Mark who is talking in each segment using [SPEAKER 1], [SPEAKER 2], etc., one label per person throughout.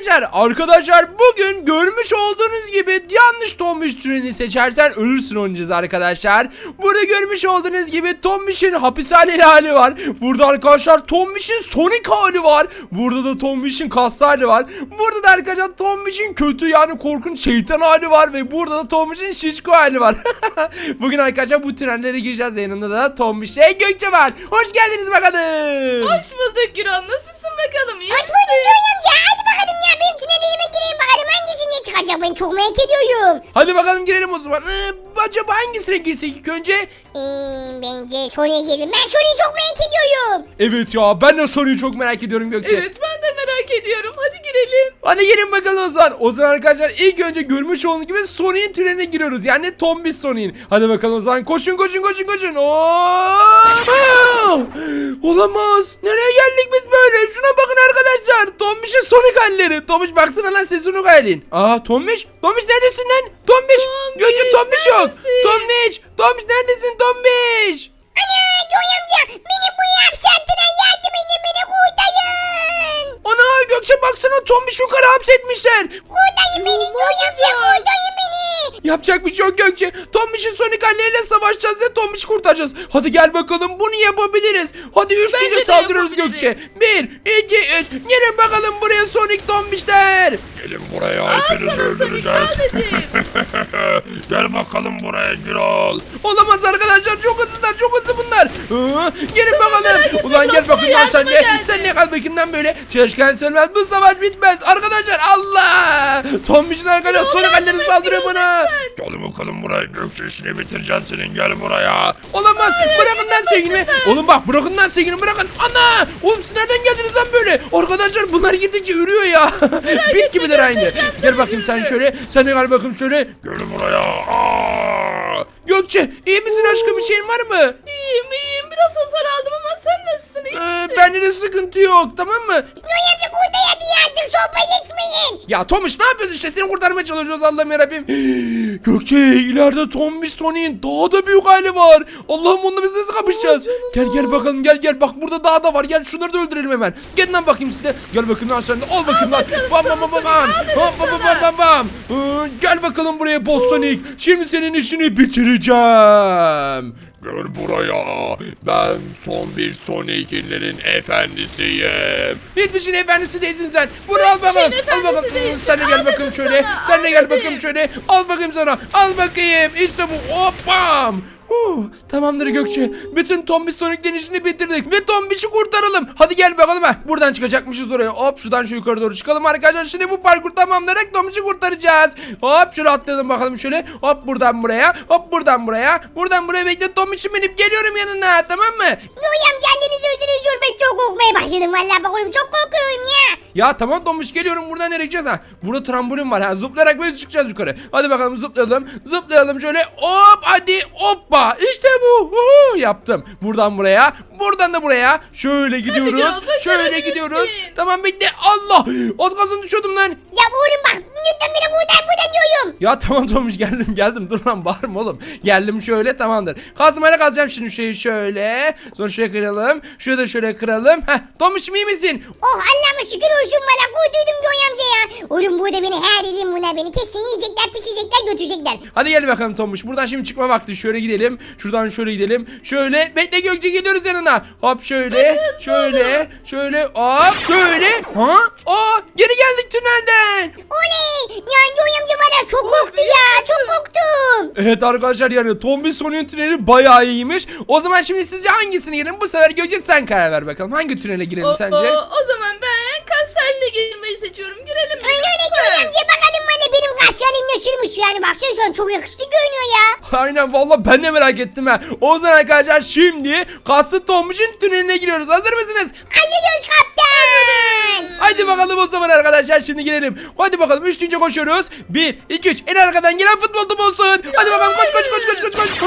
[SPEAKER 1] Arkadaşlar bugün görmüş olduğunuz gibi yanlış Tombiş türünü seçersen ölürsün oynayacağız arkadaşlar. Burada görmüş olduğunuz gibi Tombiş'in hapishaneli hali var. Burada arkadaşlar Tombiş'in Sonic hali var. Burada da Tombiş'in kaslı hali var. Burada da arkadaşlar Tombiş'in kötü yani korkunç şeytan hali var. Ve burada da Tombiş'in şişko hali var. Bugün arkadaşlar bu tünellere gireceğiz. Yanında da Tombiş'e Gökçe var. Hoş geldiniz bakalım.
[SPEAKER 2] Hoş bulduk Gürol. Nasılsın bakalım? İyi
[SPEAKER 3] Hoş
[SPEAKER 2] misin?
[SPEAKER 3] bulduk Göğe amca. Hadi bakalım ya. Benim tünelime gireyim bakalım. Hangisine çıkacak? Ben çok merak ediyorum.
[SPEAKER 1] Hadi bakalım girelim o zaman. Acaba hangisine girsek ilk önce?
[SPEAKER 3] Bence soruya girelim. Ben soruyu çok merak ediyorum.
[SPEAKER 1] Evet ya ben de soruyu çok merak ediyorum Gökçe.
[SPEAKER 2] Evet ben de merak ediyorum. Hadi girelim.
[SPEAKER 1] Hadi gelin bakalım o zaman. O zaman arkadaşlar ilk önce görmüş olduğunuz gibi Sonic'in türüne giriyoruz. Yani Tombiş Sonic'in. Hadi bakalım o zaman koşun. Olamaz. Nereye geldik biz böyle? Şuna bakın arkadaşlar. Tombiş'in Sonic halleri. Tombiş baksana lan sesin o halin. Tombiş. Tombiş neredesin lan? Tombiş. Gökçe Tombiş yok.
[SPEAKER 2] neredesin?
[SPEAKER 1] Tombiş neredesin Tombiş?
[SPEAKER 3] Ana Göğe amca. Beni bu hapse attılar. Yardım edin beni kurtarın.
[SPEAKER 1] Ana Gökçe baksana Tombiş'i yukarı hapsetmişler.
[SPEAKER 3] Kurtarın beni Göğe amca. Kurtarın beni.
[SPEAKER 1] Yapacak bir şey yok Gökçe. Tombiş'in Sonic halleriyle savaşacağız ve Tombiş'i kurtaracağız. Hadi gel bakalım bunu yapabiliriz. Hadi 3
[SPEAKER 2] Bence
[SPEAKER 1] deyince
[SPEAKER 2] de
[SPEAKER 1] saldırıyoruz
[SPEAKER 2] yapabiliriz.
[SPEAKER 1] Gökçe. 1, 2, 3. Gelin bakalım buraya Sonic Tombişler.
[SPEAKER 4] Gelin buraya
[SPEAKER 2] Al
[SPEAKER 4] hepinizi
[SPEAKER 2] sana Sonic
[SPEAKER 4] öldüreceğiz.
[SPEAKER 2] sadece.
[SPEAKER 4] Gel bakalım buraya Gürol.
[SPEAKER 1] Olamaz arkadaşlar çok hızlı bunlar. Gelin bakalım.
[SPEAKER 2] merak etme,
[SPEAKER 1] Ulan gel
[SPEAKER 2] biraz
[SPEAKER 1] bakayım
[SPEAKER 2] sonra
[SPEAKER 1] lan sen de.
[SPEAKER 2] yardıma geldi.
[SPEAKER 1] Sen ne kal bakayım lan böyle. Çalışkan sönmez bu savaş bitmez. Arkadaşlar Allah. Tombiş'in arkadaşlar Sonic halleri saldırıyor bana.
[SPEAKER 4] Gel bakalım buraya Gökçe işini bitireceğiz senin gel buraya.
[SPEAKER 1] Olamaz. Bırakın lan sevgilimi. Oğlum bak bırakın lan sevgilimi bırakın. Ana. Oğlum siz nereden geldiniz lan böyle? Arkadaşlar bunlar gidince ürüyor ya. Bit gibiler aynı. Gel bakayım sen şöyle. Sen de gel bakayım şöyle.
[SPEAKER 4] Gel buraya. Aa!
[SPEAKER 1] Gökçe iyi misin aşkım bir şeyin var mı?
[SPEAKER 2] İyiyim. Biraz hasar aldım ama sen nasılsın? İyi misin?
[SPEAKER 1] Bende de sıkıntı yok tamam mı?
[SPEAKER 3] Göğe amca kurtar hadi yardım. Sohbet etmeyin.
[SPEAKER 1] Ya Tomiş ne yapıyorsun işte seni kurtarmaya çalışıyoruz Allah'ım yarabbim. Gökçe ileride Tombiş Sonic'in daha da büyük hali var. Allah'ım onunla biz nasıl kapışacağız? Gel bakalım gel bak burada daha da var gel şunları da öldürelim hemen. Gelin lan bakayım size. Gel bakayım lan sen de al bakayım lan. Bam bam bam bam bam. Bam bam. Gel bakalım buraya Boss Sonic. Şimdi senin işini bitireceğim.
[SPEAKER 4] Gel buraya. Ben son bir Sonic'inlerin efendisiyim.
[SPEAKER 1] Hiçbir şeyin efendisi değilsin sen. Bunu al bakalım.
[SPEAKER 2] şeyin
[SPEAKER 1] Al bakalım.
[SPEAKER 2] efendisi değilsin.
[SPEAKER 1] Sen de gel bakayım
[SPEAKER 2] Anladım
[SPEAKER 1] şöyle.
[SPEAKER 2] sana,
[SPEAKER 1] Sen de gel
[SPEAKER 2] anladım.
[SPEAKER 1] bakayım şöyle. Al bakayım sana. Al bakayım. İşte bu. Hoppam. Tamamdır Gökçe. Bütün Tombiş Sonic'lerin işini bitirdik ve Tombiş'i kurtaralım. Hadi gel bakalım ha. Buradan çıkacakmışız oraya. Hop şuradan şu yukarı doğru çıkalım arkadaşlar. Şimdi bu parkur tamamlayarak Tombiş'i kurtaracağız. Hop şöyle atlayalım bakalım şöyle. Hop buradan buraya. Hop buradan buraya. Buradan buraya bekle Tombiş'im binip geliyorum yanına tamam mı?
[SPEAKER 3] Göğe amca annenizi özünüzü ben çok korkmaya başladım. Vallahi bak oğlum çok korkuyorum ya.
[SPEAKER 1] Ya tamam Tombiş geliyorum buradan nereye gideceğiz ha? Burada trambolin var ha zıplayarak böyle çıkacağız yukarı. Hadi bakalım zıplayalım şöyle hop hadi hoppa işte bu yaptım. Buradan buraya buradan da buraya şöyle gidiyoruz.
[SPEAKER 2] Gürol,
[SPEAKER 1] Şöyle
[SPEAKER 2] başarabilirsin.
[SPEAKER 1] gidiyoruz. Tamam bekle Allah az kalsın düşüyordum lan.
[SPEAKER 3] Ya oğlum bak lütfen beni buradan diyorum.
[SPEAKER 1] Ya tamam Tombiş geldim dur lan bağırma oğlum. Geldim şöyle tamamdır. Kazmayla kazacağım şimdi şeyi şöyle. Sonra şöyle kıralım. Şurada da şöyle kıralım. Heh Tombiş'im iyi misin?
[SPEAKER 3] Oh Allah'ıma şükür olsun bana kurtuldum Göğe amca ya. Oğlum burada beni her dedim buna beni kesin yiyecekler pişirecekler götürecekler.
[SPEAKER 1] Hadi gel bakalım Tombiş. Buradan şimdi çıkma vakti. Şöyle gidelim. Şuradan şöyle gidelim. Şöyle. Bekle Gökçe geliyoruz yanına. Hop şöyle. Şöyle. Hop şöyle. Ha? Geri geldik tünelden.
[SPEAKER 3] Oley ya Göğe amca var ya çok korktu ya çok korktum.
[SPEAKER 1] Evet arkadaşlar yani Tombiş Sonic'in tüneli bayağı iyiymiş. O zaman şimdi sizce hangisine girelim? Bu sefer Gökçe sen karar ver bakalım. Hangi tünele girelim sence?
[SPEAKER 2] O zaman ben kaslarla girmeyi seçiyorum. Girelim mi?
[SPEAKER 3] Öyle
[SPEAKER 2] Lütfen.
[SPEAKER 3] Göğe amca bakalım bana benim kaşlarım nasılmış yani baksana şu an çok yakışıklı görünüyor ya.
[SPEAKER 1] Aynen vallahi ben de merak ettim ha. O zaman arkadaşlar şimdi kaslı Tombiş'in tüneline giriyoruz. Hazır mısınız?
[SPEAKER 3] Acıyoruz kaptan.
[SPEAKER 1] Hadi bakalım o zaman arkadaşlar şimdi gidelim. Hadi bakalım 3 deyince koşuyoruz. 1, 2, 3 en arkadan gelen futbol topu olsun. Hadi bakalım koş.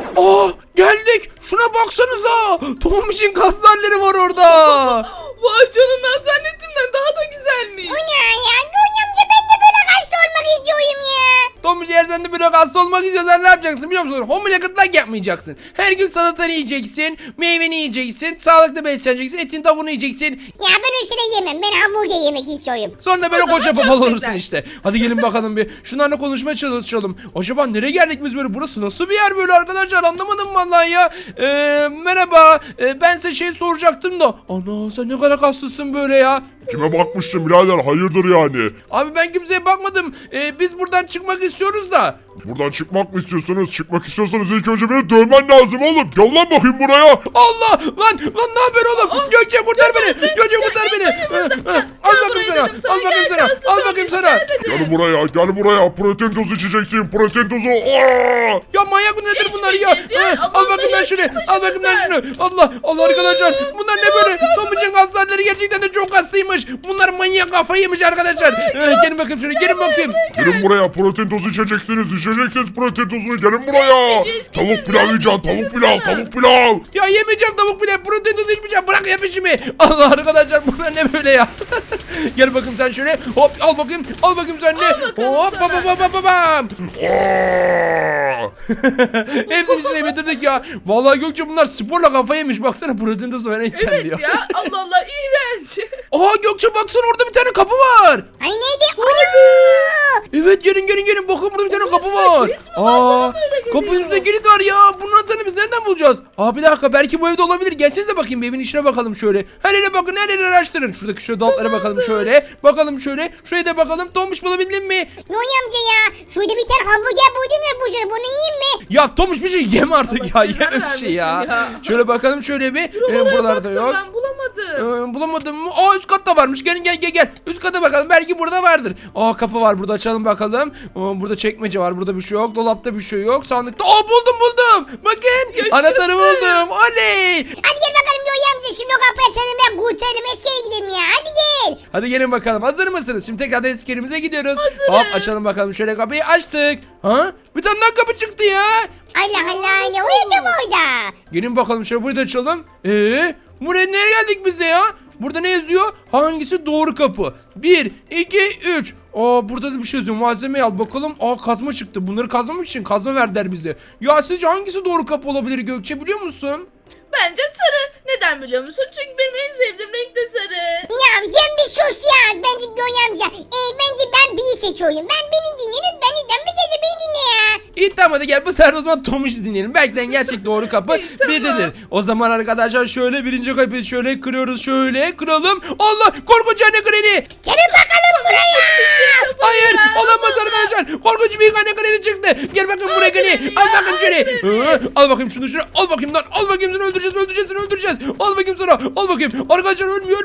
[SPEAKER 1] Geldik. Şuna baksanıza. Tombiş'in kaslarları var orada.
[SPEAKER 2] Vay canına zannettiğimden daha da güzelmiş.
[SPEAKER 3] Bu ne ya Göğe amca ben de böyle kaşlı olmak istiyorum ya.
[SPEAKER 1] Tombiş eğer sen de böyle hasta olmak istiyorsan ne yapacaksın biliyor musun? Homile gırtlak yapmayacaksın. Her gün salatanı yiyeceksin, meyveni yiyeceksin, sağlıklı besleneceksin, etin tavuğunu yiyeceksin.
[SPEAKER 3] Ya ben o şeyleri yemem. Ben hamburger yemek istiyorum.
[SPEAKER 1] Sonra da böyle
[SPEAKER 2] O zaman
[SPEAKER 1] koca
[SPEAKER 2] çok
[SPEAKER 1] babal olursun
[SPEAKER 2] güzel.
[SPEAKER 1] işte. Hadi gelin bakalım bir. Şunlarla konuşmaya çalışalım. Acaba nereye geldik biz böyle? Burası nasıl bir yer böyle arkadaşlar? Anlamadım vallahi ya. Merhaba. Ben size şey soracaktım da. Ana sen ne kadar kaslısın böyle ya.
[SPEAKER 4] Kime bakmıştın birader hayırdır yani?
[SPEAKER 1] Abi ben kimseye bakmadım. Biz buradan çıkmak istiyoruz da.
[SPEAKER 4] Buradan çıkmak mı istiyorsunuz? Çıkmak istiyorsanız ilk önce beni dövmen lazım oğlum. Gel lan bakayım buraya.
[SPEAKER 1] Allah! Lan ne haber oğlum? Gökçe kurtar beni. Gökçe kurtar beni. Al bakayım sana. Al bakayım sana. Al bakayım sana.
[SPEAKER 4] Gel buraya gel buraya. Protein tozu içeceksin. Protein tozu. Aa!
[SPEAKER 1] Ya manyak nedir bunlar ya?
[SPEAKER 2] ya.
[SPEAKER 1] Al bakayım lan şunu. Al bakayım lan şunu. Allah arkadaşlar. Bunlar ne böyle? Tomucun hastaneleri gerçekten de çok hastaymış. Bunlar manyak kafayı yemiş arkadaşlar. Gelin bakayım şöyle. Gelin bakayım.
[SPEAKER 4] Gelin buraya protein tozu içeceksiniz. İçeceksiniz protein tozunu. Gelin buraya. Tavuk pilav yiyeceksin. Tavuk pilav. Tavuk pilav.
[SPEAKER 1] Ya yemeyeceğim tavuk bile. Protein tozu içmeyeceğim. Bırak ya peşimi. Allah arkadaşlar bunlar ne böyle ya? Gel bakayım sen şöyle. Hop al bakayım. Al bakayım sen de.
[SPEAKER 2] bakalım
[SPEAKER 1] Hop
[SPEAKER 2] sana.
[SPEAKER 1] bam.
[SPEAKER 4] Aa!
[SPEAKER 1] Hepsini içine bitirdik ya. Vallahi Gökçe bunlar sporla kafayı yemiş. Baksana protein tozu falan içeceğim
[SPEAKER 2] Evet
[SPEAKER 1] diyor.
[SPEAKER 2] ya Allah Allah iğrenç.
[SPEAKER 1] Aha Gökçe baksana orada bir tane kapı var.
[SPEAKER 3] Ay neydi? Ana!
[SPEAKER 1] Evet gelin bakın burada bir tane kapı
[SPEAKER 2] üstünde
[SPEAKER 1] var.
[SPEAKER 2] kilit mi var? Bana böyle geliyor.
[SPEAKER 1] Kapının üstünde kilit var ya. Bunun anahtarını biz nereden bulacağız? Aa bir dakika belki bu evde olabilir. Gelsenize bakayım bir evin içine bakalım şöyle. Her yere bakın her yere araştırın. Şuradaki şöyle dolaplara bakalım şöyle. Bakalım şöyle. Şuraya da bakalım. Tomuş bulabildin mi?
[SPEAKER 3] Noy amca ya. Şurada bir tane hamburger buldum ya bu şurada. Bunu yiyeyim mi?
[SPEAKER 1] Ya Tomuş bir şey yeme artık ya.
[SPEAKER 2] Allah cezanı
[SPEAKER 1] Yeme bir şey ya.
[SPEAKER 2] vermesin ya.
[SPEAKER 1] Şöyle bakalım şöyle bir.
[SPEAKER 2] Buralara
[SPEAKER 1] Buralarda
[SPEAKER 2] baktım
[SPEAKER 1] yok.
[SPEAKER 2] ben bulamadım.
[SPEAKER 1] Bulamadım mı? Aa üst katta varmış. Gel. Üst kata bakalım. Belki burada vardır. Aa kapı var burada açalım bakalım. Burada çekmece var. Burada bir şey yok. Dolapta bir şey yok. Sandıkta. Aa buldum. Bakın.
[SPEAKER 2] Yaşasın.
[SPEAKER 1] Anahtarı buldum. Oley.
[SPEAKER 3] Hadi gel bakalım Noy amca. Şimdi o kapıyı açalım ben kurtarım. Eskiye gidelim ya. Hadi gel.
[SPEAKER 1] Hadi gelin bakalım. Hazır mısınız? Şimdi tekrar eski yerimize gidiyoruz. Hop açalım bakalım. Şöyle kapıyı açtık. Ha? Bir tane daha kapı çıktı ya.
[SPEAKER 3] Allah Allah ne uyuyacağım orada?
[SPEAKER 1] Gelin bakalım şöyle burada açalım. Buraya nereye geldik bize ya? Burada ne yazıyor? Hangisi doğru kapı? 1, 2, 3. Burada da bir şey yazıyor. Malzemeyi al bakalım. Kazma çıktı. Bunları kazmamak için kazma verdiler bize. Ya sizce hangisi doğru kapı olabilir Gökçe biliyor musun?
[SPEAKER 2] Bence sarı. Neden biliyor musun? Çünkü benim en sevdiğim renk de sarı.
[SPEAKER 3] Ya sen bir sus ya. Bence Noy amca. Bence ben biri seçiyorum. Ben beni dinle lütfen bir gece beni dinle ya.
[SPEAKER 1] İyi tamam hadi gel bu sefer o zaman Tomuş'u dinleyelim. Belki de gerçek doğru kapı
[SPEAKER 2] İyi, tamam.
[SPEAKER 1] birdedir. O zaman arkadaşlar şöyle birinci kapıyı şöyle kırıyoruz şöyle kıralım. Allah korkunç anne kreni.
[SPEAKER 3] Gelin bakalım buraya.
[SPEAKER 1] Hayır olamaz arkadaşlar. Korkunç bir anne kreni çıktı. Gel bakayım buraya kreni. Al bakayım şöyle. Al bakayım şunu şunu. Al bakayım lan. Al bakayım seni öldüreceğiz. Al bakayım sana. Al bakayım. Arkadaşlar ölmüyor.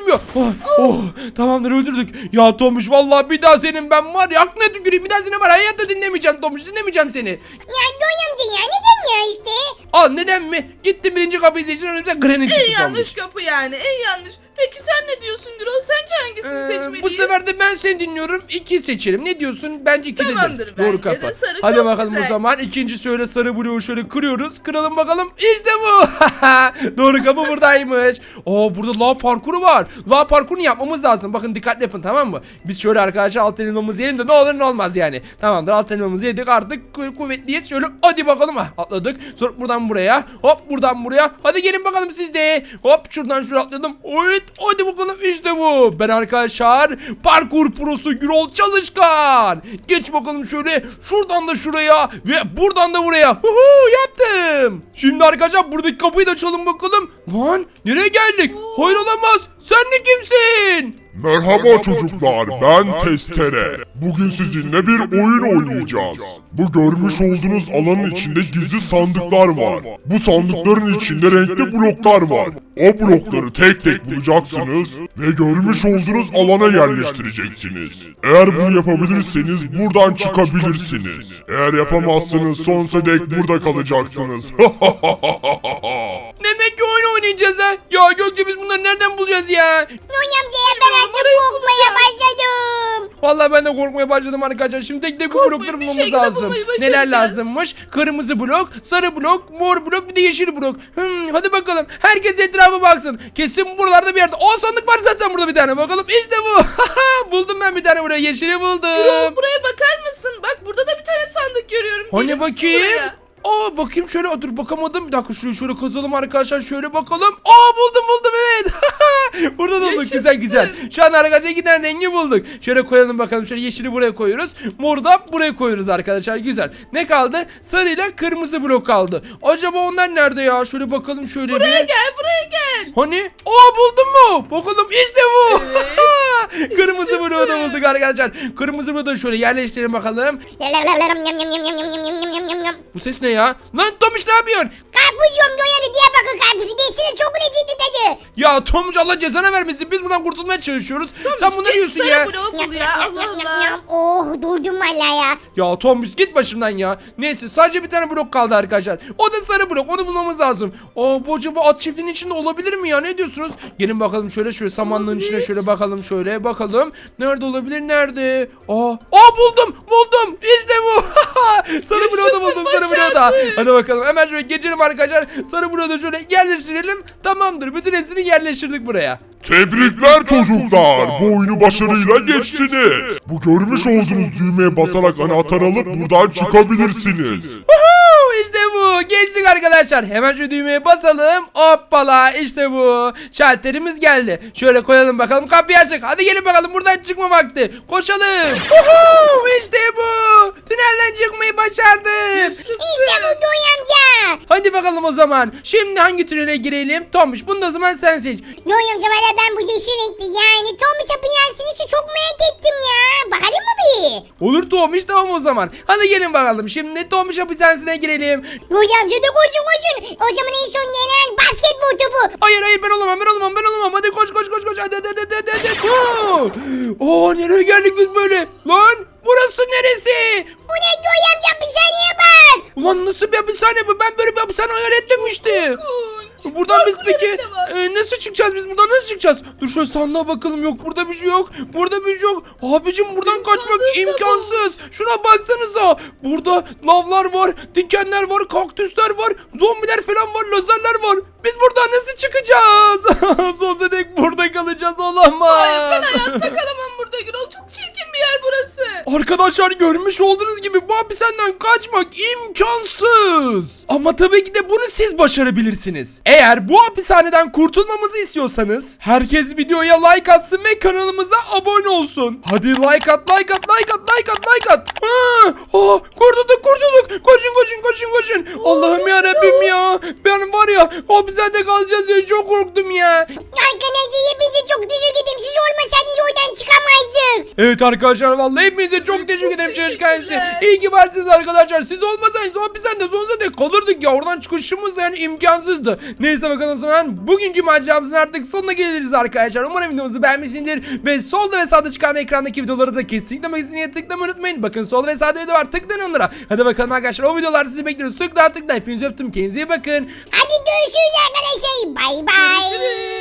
[SPEAKER 1] Tamamdır öldürdük. Ya Tomuş vallahi bir daha senin ben var ya aklına tüküreyim. Bir daha seni var hayatta dinlemeyeceğim Tomuş. Dinlemeyeceğim seni.
[SPEAKER 3] Ya Noy amca ya neden ya işte?
[SPEAKER 1] Al neden mi? Gittim birinci kapıyı seçtim önümüze Granny çıktı
[SPEAKER 2] En yanlış
[SPEAKER 1] Tomuş.
[SPEAKER 2] kapı yani en yanlış. Peki sen ne diyorsun Gürol? Sence hangisini seçmeliyiz?
[SPEAKER 1] Bu sefer de ben seni dinliyorum. 2 seçelim. Ne diyorsun? Bence 2
[SPEAKER 2] Tamamdır,
[SPEAKER 1] dedim. Doğru
[SPEAKER 2] bence
[SPEAKER 1] kapı.
[SPEAKER 2] de sarı
[SPEAKER 1] Hadi
[SPEAKER 2] çok
[SPEAKER 1] bakalım
[SPEAKER 2] güzel.
[SPEAKER 1] o zaman. İkinci şöyle sarı bloğu şöyle kırıyoruz. Kıralım bakalım. İşte bu. Doğru kapı buradaymış. Burada lav parkuru var. Lav parkurunu yapmamız lazım. Bakın dikkatli yapın tamam mı? Biz şöyle arkadaşlar alt elmamızı yiyelim de ne olur ne olmaz yani. Tamamdır alt elmamızı yedik artık kuvvetliyiz. Şöyle hadi bakalım. Atladık. Sonra buradan buraya. Hop buradan buraya. Hadi gelin bakalım siz de. Hop şuradan şuraya atladım. Evet hadi bakalım işte bu. Ben arkadaşlar parkur prosu Gürol Çalışkan. Geç bakalım şöyle. Şuradan da şuraya ve buradan da buraya. Yaptım. Şimdi arkadaşlar buradaki kapıyı da açalım bakalım. Lan nereye geldik? Hayır olamaz. Sen de kimsin?
[SPEAKER 4] Merhaba çocuklar, ben Testere. Bugün sizinle bir oyun oynayacağız. Bu görmüş olduğunuz alanın içinde gizli sandıklar var. Bu sandıkların içinde renkli bloklar var. O blokları tek tek bulacaksınız ve görmüş olduğunuz alana yerleştireceksiniz. Eğer bunu yapabilirseniz buradan çıkabilirsiniz. Eğer yapamazsınız sonsuza dek burada kalacaksınız.
[SPEAKER 1] Demek ki oyun oynayacağız ha. Ya Gökçe biz bunları nereden bulacağız ya?
[SPEAKER 3] Noy amca ya ben artık
[SPEAKER 2] numarayı
[SPEAKER 3] korkmaya
[SPEAKER 2] bulacağım.
[SPEAKER 3] başladım.
[SPEAKER 1] Vallahi ben de korkmaya başladım arkadaşlar. Şimdi tek tek bu
[SPEAKER 2] Korkmayın,
[SPEAKER 1] blokları
[SPEAKER 2] bir
[SPEAKER 1] bulmamız
[SPEAKER 2] şekilde
[SPEAKER 1] lazım.
[SPEAKER 2] bulmayı
[SPEAKER 1] Neler
[SPEAKER 2] başaracağız.
[SPEAKER 1] lazımmış? Kırmızı blok, sarı blok, mor blok bir de yeşil blok. Hadi bakalım. Herkes etrafa baksın. Kesin buralarda bir yerde. Sandık var zaten burada bir tane. Bakalım işte bu. Buldum ben bir tane buraya. Yeşili buldum.
[SPEAKER 2] Gürol buraya bakar mısın? Bak burada da bir tane sandık görüyorum.
[SPEAKER 1] Hani
[SPEAKER 2] Gelir misin
[SPEAKER 1] bakayım?
[SPEAKER 2] buraya?
[SPEAKER 1] Aa bakayım şöyle, dur bakamadım. Bir dakika şurayı şöyle kazalım arkadaşlar, şöyle bakalım. Aa buldum evet. Burada da bulduk,
[SPEAKER 2] Yaşasın.
[SPEAKER 1] güzel. Şu an arkadaşlar iki tane rengi bulduk. Şöyle koyalım bakalım, şöyle yeşili buraya koyuyoruz. Moru da buraya koyuyoruz arkadaşlar, güzel. Ne kaldı? Sarıyla kırmızı blok kaldı. Acaba onlar nerede ya? Şöyle bakalım şöyle
[SPEAKER 2] Buraya
[SPEAKER 1] bir.
[SPEAKER 2] gel, buraya gel.
[SPEAKER 1] Hani? Aa buldun mu? Bakalım işte bu.
[SPEAKER 2] Evet.
[SPEAKER 1] Kırmızı
[SPEAKER 2] Yaşasın.
[SPEAKER 1] bloğu da bulduk arkadaşlar. Kırmızı bloğu da şöyle yerleştirelim bakalım. Bu ses ne ya? Lan Tomiş ne yapıyorsun?
[SPEAKER 3] Karpuz yiyorum Göğe diye bakın karpuzu değilsene çok lezzetli tadı.
[SPEAKER 1] Ya Tomiş Allah cezanı vermesin. Biz buradan kurtulmaya çalışıyoruz. Sen bunları yiyorsun
[SPEAKER 2] Sarı
[SPEAKER 1] ya.
[SPEAKER 2] bloğu bul ya, Allah Allah.
[SPEAKER 3] Oh durdum valla ya.
[SPEAKER 1] Ya Tomiş git başımdan ya. Neyse sadece bir tane blok kaldı arkadaşlar. O da sarı blok. Onu bulmamız lazım. Aa bu acaba at çiftliğinin içinde olabilir mi ya? Ne diyorsunuz? Gelin bakalım şöyle samanlığın içine şöyle bakalım şöyle bakalım. Nerede olabilir? Nerede? Aa buldum. İşte bu. Sarı bloğu da buldum. Sarı bloğu da.
[SPEAKER 2] başardık.
[SPEAKER 1] Hadi bakalım. Hemen şöyle geçelim arkadaşlar. Sarı bloğu da şöyle yerleştirelim. Tamamdır. Bütün hepsini yerleştirdik buraya.
[SPEAKER 4] Tebrikler çocuklar. Bu oyunu başarıyla geçtiniz. Bu görmüş olduğunuz düğmeye basarak anahtar alıp buradan çıkabilirsiniz.
[SPEAKER 1] Woohoo! İşte bu. Geçtik arkadaşlar. Hemen şu düğmeye basalım. Hoppala işte bu. Şalterimiz geldi. Şöyle koyalım bakalım. Kapıyı açık. Hadi gelin bakalım. Buradan çıkma vakti. Koşalım. Woohoo! İşte bu. Tünelden çıkmayı başardık.
[SPEAKER 3] İşte bu Göğe amca.
[SPEAKER 1] Hadi bakalım o zaman. Şimdi hangi tünele girelim? Tomuş bunu da o zaman sen seç.
[SPEAKER 3] Göğe amca valla ben bu yeşil renkli yani Tommy Chap'ın yansını çok merak ettim ya. Bakalım mı bir?
[SPEAKER 1] Olur Tomuş tamam o zaman. Hadi gelin bakalım. Şimdi Tomuş hapishanesine girelim.
[SPEAKER 3] Göğe amca da koşun. O zaman en son gelen basketbol topu.
[SPEAKER 1] Hayır ben olamam. Hadi koş. Hadi. Nereye geldik biz böyle? Lan burası neresi?
[SPEAKER 3] Bu ne Göğe amca bir saniye bak.
[SPEAKER 1] Ulan nasıl bir hapishane bu? Ben böyle bir hapishane hayal etmemiştim. Buradan biz
[SPEAKER 2] Parkur
[SPEAKER 1] peki
[SPEAKER 2] yeri de var.
[SPEAKER 1] nasıl çıkacağız biz buradan nasıl çıkacağız? Dur şöyle sandığa bakalım, yok burada bir şey yok. Burada bir şey yok. Abicim buradan kaçmak
[SPEAKER 2] sandığı da
[SPEAKER 1] imkansız. Şuna baksanıza. Burada lavlar var, dikenler var, kaktüsler var, zombiler falan var, lazerler var. Biz buradan nasıl çıkacağız? Sonsuza dek burada kalacağız, olamaz.
[SPEAKER 2] Hayır, ben hayatta kalamam burada Gürol. Çok çirkin bir yer burası.
[SPEAKER 1] Arkadaşlar görmüş olduğunuz gibi bu hapishaneden kaçmak imkansız. Ama tabii ki de bunu siz başarabilirsiniz. Eğer bu hapishaneden kurtulmamızı istiyorsanız herkes videoya like atsın ve kanalımıza abone olsun. Hadi like at. Kurtulduk. Koşun. Allah'ım ya Rabbim ya. Ben var ya hapishanede kalacağız ya, çok korktum ya.
[SPEAKER 3] Arkadaşlar hepinize çok teşekkür ederim. Siz olmasaydınız oradan çıkamazdık.
[SPEAKER 1] Evet arkadaşlar vallahi hepinize çok teşekkür ederim çalışkansı.
[SPEAKER 2] teşekkürler.
[SPEAKER 1] İyi ki varsınız arkadaşlar. Siz olmasaydınız o hapishanede sonsuza dek kalırdık ya. Oradan çıkışımız da yani imkansızdı. Neyse bakalım o zaman bugünkü maceramızın artık sonuna geliriz arkadaşlar. Umarım videomuzu beğenmişsinizdir. Ve solda ve sağda çıkan ekrandaki videoları da kesinlikle magazineye tıklamayı unutmayın. Bakın solda ve sağda video var. Tıklayın onlara. Hadi bakalım arkadaşlar, o videolarda sizi bekliyoruz. Tıkla. Hepinizi öptüm. Kendinize iyi bakın.
[SPEAKER 3] Hadi görüşürüz arkadaşlar. Bay bay.
[SPEAKER 2] Görüşürüz.